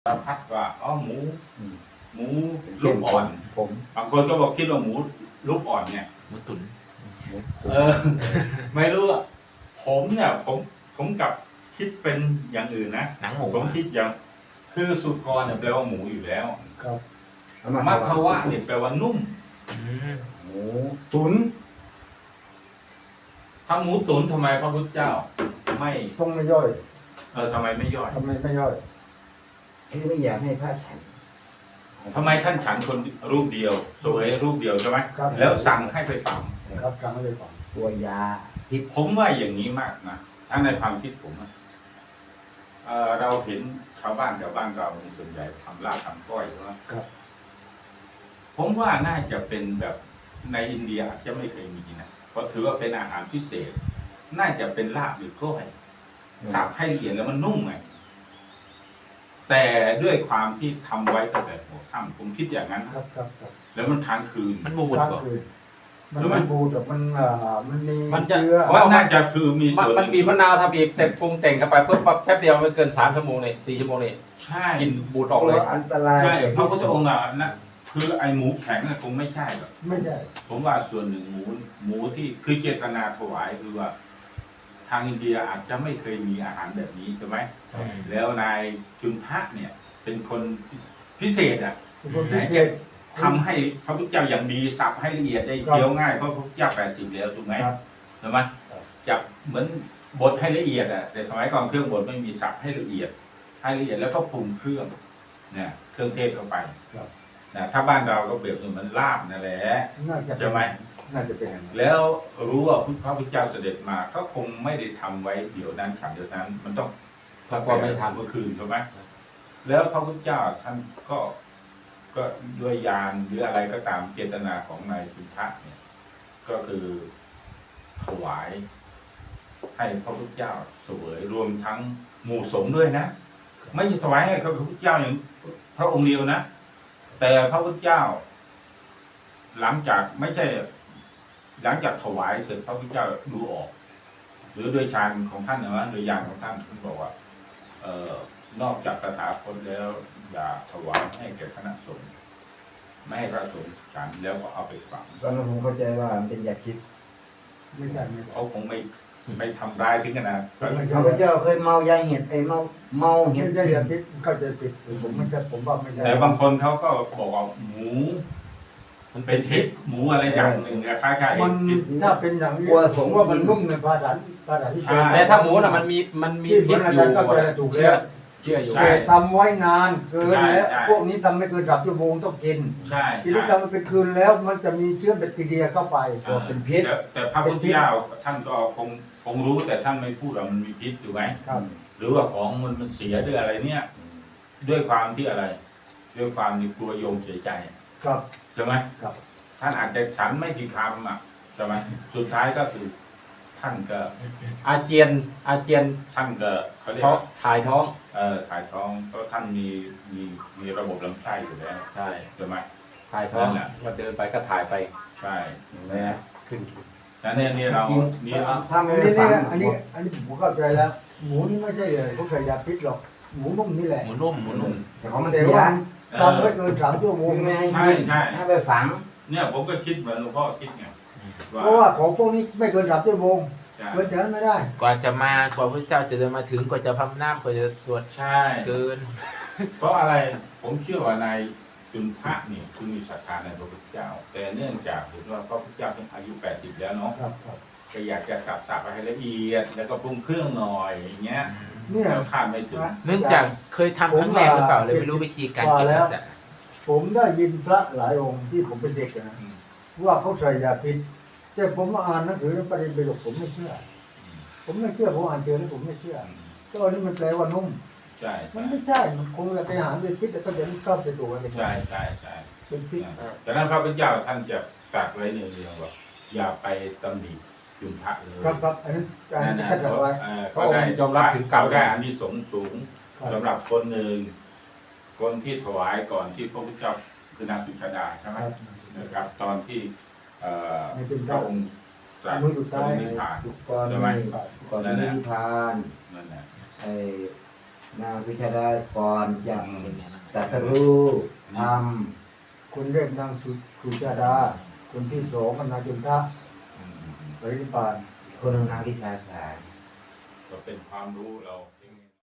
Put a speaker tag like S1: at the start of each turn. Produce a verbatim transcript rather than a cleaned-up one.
S1: เราพัดว่าอ๋อหมูหมูลู
S2: ลู
S1: ก
S2: ก
S1: อ่
S2: อ่
S1: อ
S2: อน นผม
S1: บางคนก็บอกคิดว่าหมูลูกอ่อนเนี่ย
S3: หมูตุ๋น
S1: เออ ไม่รู้อ่ะผมเนี่ยผมผมกลับคิดเป็นอย่างอื่นนะ
S3: หนังหมู
S1: ผมคิดอย่างคือสุกรเนี่ยแปลว่าหมูอยู่แล้ว
S2: ครับ
S1: มัทวะเนี่ยแปลว่านุ่ม
S3: อืม
S2: หมูตุ๋น
S1: ถ้าหมูตุ๋นทำไมพระพุทธเจ้า ไม่
S2: ต้องไม่ย่อย
S1: เออทำไมไม่ย่อย
S2: ทำไมไม่ย่อย
S4: คือไม่อยากให้พระฉัน
S1: ทำไมท่านฉันคนรูปเดียวสวยรูปเดียวใช่ไหม
S2: ครับ
S1: แล้วสั่งให้ไปฝัง
S2: ครับกลางไม่ได้ฟัง
S4: ตัวยาพิษ
S1: ผมว่าอย่างนี้มากนะถ้าในความคิดผมอะเอ่อเราเห็นชาวบ้านแถวบ้านเราในส่วนใหญ่ทำลาบทำก้อยใช่ไหม
S2: ครับ
S1: ผมว่าน่าจะเป็นแบบในอินเดียอาจจะไม่เคยมีนะเพราะถือว่าเป็นอาหารพิเศษ น่าจะเป็นลาบหรือก้อยสับให้ละเอียดแล้วมันนุ่มไงแต่ด้วยความที่ทำไว้ตั้งแต่หัวค่ำผมคิดอย่างนั้น
S2: ครับครับครับ
S1: แล้วมันค้างคืน
S3: มันบูด
S2: กลาง
S3: ก่อน
S2: คืนมันไม่บูดหรอกมันอ่ามันมี
S5: มันจะ
S2: เชื้อ
S1: เพราะน่าจะคือมี
S5: มัน
S1: ส่วน
S5: มันบีบมะนาวทำบีบแต่ปรุงแต่งเข้าไปเพื่อแป๊บเดียวไม่เกินสามชั่วโมงเนี่ยสี่ชั่วโมงเนี่ย
S1: ใช่
S5: กินบูดออกเลย
S2: อันตราย
S1: ใช่
S2: แต่
S1: พระ
S2: ที่
S1: พุทธ
S2: สุ
S1: อง
S2: ด
S1: ค์อ่ะนะคือไอหมูแข็งน่ะคงไม่ใช่หรอก
S2: ไม่ใช่
S1: ผมว่าส่วนหนึ่งหมูหมูที่คือเจตนาถวายคือว่า ทางอินเดียอาจจะไม่เคยมีอาหารแบบนี้ใช่ไหมแล้วนายจุนทะเนี่ย เป็นคนพิเศษอ่ะ
S2: ทุกคนพิเศษ
S1: ทำให้พระพุทธเจ้าอย่างดีสับให้ละเอียดได้
S2: ครับ
S1: เคี้ยวง่ายเพราะพระพุทธเจ้าแปดสิบแล้วถูกไหม
S2: ครับ
S1: ใช่ไหม
S2: ครับ
S1: จับเหมือนบดให้ละเอียดอ่ะแต่สมัยก่อนเครื่องบดไม่มีสับให้ละเอียด ให้ละเอียดแล้วก็ปรุงเครื่องเนี่ยเครื่องเทศเข้าไป
S2: ครับ
S1: นะถ้าบ้านเราก็เปรียบเหมือนลาบนั่นแหละ
S2: น่าจะ
S1: ใช่ไหม
S2: น่าจะเป็นอย่างนั้น
S1: แล้วรู้ว่าพระพุทธเจ้าเสด็จมาก็คงไม่ได้ทำไว้เดี๋ยวนั้นฉันเดี๋ยวนั้น มันต้อง
S5: ถ้าก่อนไม่ทัน
S1: เมื่อคืนใช่ไหมแล้วพระพุทธเจ้าท่านก็ก็ด้วยยานหรืออะไรก็ตามเจตนาของนายจุนทะเนี่ย ก็คือถวาย ให้พระพุทธเจ้าเสวยรวมทั้งหมู่สงฆ์ด้วยนะ ไม่ใช่ถวายให้พระพุทธเจ้าอย่างพระองค์เดียวนะ แต่พระพุทธเจ้า หลังจากไม่ใช่ หลังจากถวายเสร็จพระพุทธเจ้าดูออก หรือโดยฌานของท่านนะโดยญาณของท่านท่านบอกว่า เอ่อนอกจากสถาคตแล้ว อย่าถวายให้แก่คณะสงฆ์ไม่ให้พระสงฆ์ฉันแล้วก็เอาไปฝัง
S4: ตอนนั้นผมเข้าใจว่ามันเป็นยาพิษ
S2: ไม่ใช่ไม่ใช่
S1: เขาคงไม่ไม่ทำร้ายถึงขนาด
S2: ไม่ใช่
S4: ข้าพเจ้าเคยเมายาเห็ดไอ้เมาเมาเห็
S2: ไม่
S4: ด
S2: ใช่ยาพิษเข้าใจผิดผมไม่ใช่ผมว่าไม่ใช่
S1: แต่บางคนเขาก็บอกว่าหมู มันเป็นเห็ดหมูอะไรอย่างหนึ่งอะคล้ายๆ
S2: มัน
S1: พิษ
S2: ถ้าเป็นอย่างนี้ผมว่ามันนุ่มในภาษาภาษาที่เป็น
S1: ใช่
S5: แต่ถ้าหมูน่ะมันมีมันมี
S2: ที่
S5: พิ
S2: เพื่อ
S5: ษ
S2: นอา
S5: อยู่
S2: จารย์ก็จะถูก
S5: เชื่อ
S2: แล้ว
S5: เชื่ออยู่
S1: ใช่
S2: แต่ทำไว้นานเกิน
S1: ใช่
S2: แล้ว
S1: ใช่
S2: พวกนี้ทำไม่เกินสามชั่วโมงต้องกิน
S1: ใช่
S2: ทีนี้ทำมันเป็นคืนแล้วมันจะมีเชื้อแบคทีเรียเข้าไป
S1: อ่า
S2: เป็นพิษ
S1: แต่แต่พระพุทธเจ้าท่านก็คงคงรู้แต่ท่านไม่พูดว่ามันมีพิษถูกไหม
S2: ครับ
S1: หรือว่าของมันมันเสียด้วยอะไรเนี่ย ด้วยความที่อะไร ด้วยความที่กลัวโยมเสียใจ
S2: ครับ
S1: ใช่ไหม
S2: ครับ
S1: ท่านอาจจะฉันไม่กี่คำอ่ะใช่ไหมสุดท้ายก็คือ ท่านก็
S5: อาเจียนอาเจียน
S1: ท่านก็เขาเรียก
S5: ท้อง
S1: ว่า
S5: ถ่ายท้อง
S1: เอ่อถ่ายท้องเพราะท่านมีมีมีระบบลำไส้อยู่แล้ว
S5: ใช่
S1: ใช่ไหม
S5: ถ่ายท้อง
S1: นั่นแหละ
S5: วันเดินไปก็ถ่ายไป
S1: ใช่
S4: นะ
S5: ขึ้น
S1: แล้วเนี่ยเนี่ยเรานี่เรา
S4: ถ้า
S2: อั
S4: ไม่
S2: น
S4: ได้
S2: นี้
S4: ฝัง
S2: เนี่ยอันนี้อันนี้ผมเข้าใจแล้ว หมูนี่ไม่ใช่เลยพวกใส่ยาพิษหรอกหมูนุ่มนี่แหละ
S3: หมูนุ่มหมูนุ่ม
S4: แต่ของมัน
S2: แต่
S4: เสีย
S2: ว่าทำไว้เกินสามชั่วโมง
S4: ไม่ให้
S1: ใช่
S4: กิน
S1: ใช่
S4: ให้ไปฝัง
S1: เนี่ยผมก็คิดเหมือนหลวงพ่อคิดไงว่า
S2: เพราะว่าของพวกนี้ไม่เกินสามชั่วโมง
S1: ใช่
S2: เกินจากนั้นไม่ได้
S3: กว่าจะมากว่าพระเจ้าจะเดินมาถึงกว่าจะพำนักกว่าจะสวด
S1: ใช่
S3: เกิน
S1: เพราะอะไรผมเชื่อว่านายจุนทะเนี่ยคือมีศรัทธาในพระพุทธเจ้า แต่เนื่องจากเห็นว่าพระพุทธเจ้าท่านอายุแปดสิบแล้วเนาะ
S2: ครับครับ
S1: ก็อยากจะสับสับไปให้ละเอียด แล้วก็ปรุงเครื่องหน่อยอย่างเงี้ย
S2: เนี่ย
S1: แล้วคาดไม่ถึง
S3: เนื่องจากเคยทำครั้งแรกหรือเปล่าเลยไม่รู้วิธีการเก็บรักษา
S2: ผมได้ยินพระหลายองค์ที่ผมเป็นเด็กนะ
S1: อืม
S2: ว่าเขาใส่ยาพิษแต่ผมมาอ่านหนังสือในประเด็นไปหลกผมไม่เชื่อ ผมไม่เชื่อผมอ่านเจอแล้วผมไม่เชื่อก็อันนี้มันแปลว่านุ่ม
S1: ใช่
S2: มัน
S1: ใช่
S2: ไม่ใช่ มันคงจะไปหาเป็นพิษแต่ก็จะไม่เข้าไปตัวกันเลย
S1: ใช่ใช่ใช่
S2: เป็นพิษ
S1: แต่นั้นพระพุทธเจ้าท่านจะตรัสไว้เนืองๆว่าอย่าไปตำหนิจุนทะเลย
S2: ครับครับอันนั้นอัน
S1: นั่
S2: นั้น น
S1: นะ
S2: ก็จะ
S1: เขา
S2: ไว้
S1: เอ่อเขาได้
S5: ยอมรับถึงกรรม
S1: เขาได้อานิสงส์สูง
S2: ครับ
S1: สำหรับคนหนึ่งคนที่ถวายก่อนที่พระพุทธเจ้าคือนางสุชาดาใช่ไหม
S2: ครับ
S1: นะครับ ตอนที่เอ่อ
S2: ไม่เป็น
S1: พ
S2: ไร
S1: ระองค์ตรัส
S2: มือสุดท้าย
S1: นิพพาน
S4: ก่อน
S1: ใช่ไหม
S4: ก่อนที่นิพพาน
S1: นั่นแหละ
S4: ไอ้นางวิชาดาก่อนจะตรัสรู้ท
S2: คนเล่นนางสุสุชาดา คนที่สองก็นางจุนทะ
S1: อืมอืมอืม
S2: ปรินิพพาน
S4: ำคนหนึ่งนางวิสาขา
S1: ก็เป็นความรู้เรา